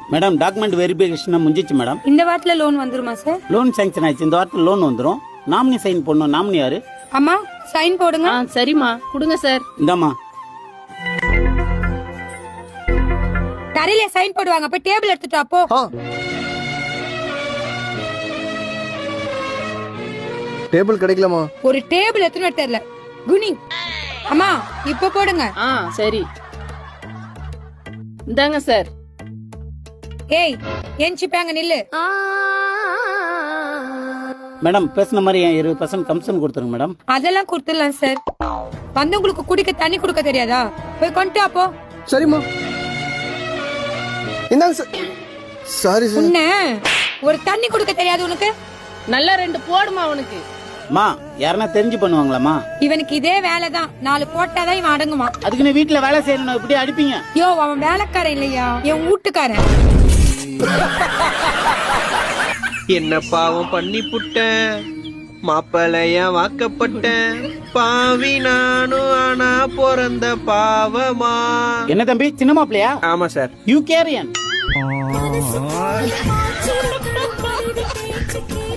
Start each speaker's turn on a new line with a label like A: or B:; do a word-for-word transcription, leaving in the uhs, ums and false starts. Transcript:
A: Madam document verification முடிஞ்சிச்சு madam.
B: இந்த வாரத்துல லோன் வந்துருமா சார்?
A: லோன் சாங்ஷன் ஆயிடுச்சு. இந்த வாரத்தில் லோன் வந்துடும். நாமினி சைன் பண்ணணும். நாமினி யாரு?
B: அம்மா சைன் போடுங்க.
C: ஆ சரிம்மா கொடுங்க சார்.
A: இந்தாம்மா.
B: தரையில சைன் போடுவாங்க. போய் டேபிள் எடுத்துட்டு வா போ.
D: டேபிள் கிடைக்கலாமா?
B: ஒரு டேபிள் எத்தனை தெரியல குனி. அம்மா இப்ப போடுங்க.
C: ஆ சரி இந்தாங்க சார்.
B: ஏய் எஞ்சிப்பாங்க நில்லு.
A: மேடம் பேசின மாதிரி இருபது பர்சன்ட் கமிஷன் கொடுத்துருங்க மேடம்.
B: அதெல்லாம் கொடுத்துடலாம் சார். வந்தவங்களுக்கு குடிக்க தண்ணி கொடுக்க தெரியாதா? போய் கொண்டு வா போ.
D: சரிம்மா இந்தாங்க சார். Sorry sir.
B: உன்ன ஒரு தண்ணி கொடுக்க தெரியாது உனக்கு?
C: நல்லா ரெண்டு போடுமா உனக்கு.
A: மா யாருன்னா தெரிஞ்சு பண்ணுவாங்களாமா?
B: இவனுக்கு இதே வேலைதான். நாலு போட்டாதான் இவன் அடங்குமா.
A: அதுக்கு நீ வீட்டுல வேலை செய்யணும். இப்படி அடிப்பீங்க?
B: யோ அவன் வேலைக்காரன் இல்லையா, என் வீட்டுக்காரன்.
E: என்ன பாவம் பண்ணி புட்டேன், மாப்பிளைய வாக்கப்பட்டேன், பாவி நானும் ஆனா பிறந்த பாவமா.
A: என்ன தம்பி சின்ன மாப்பிளையா?
E: ஆமா சார்.
A: You carry on.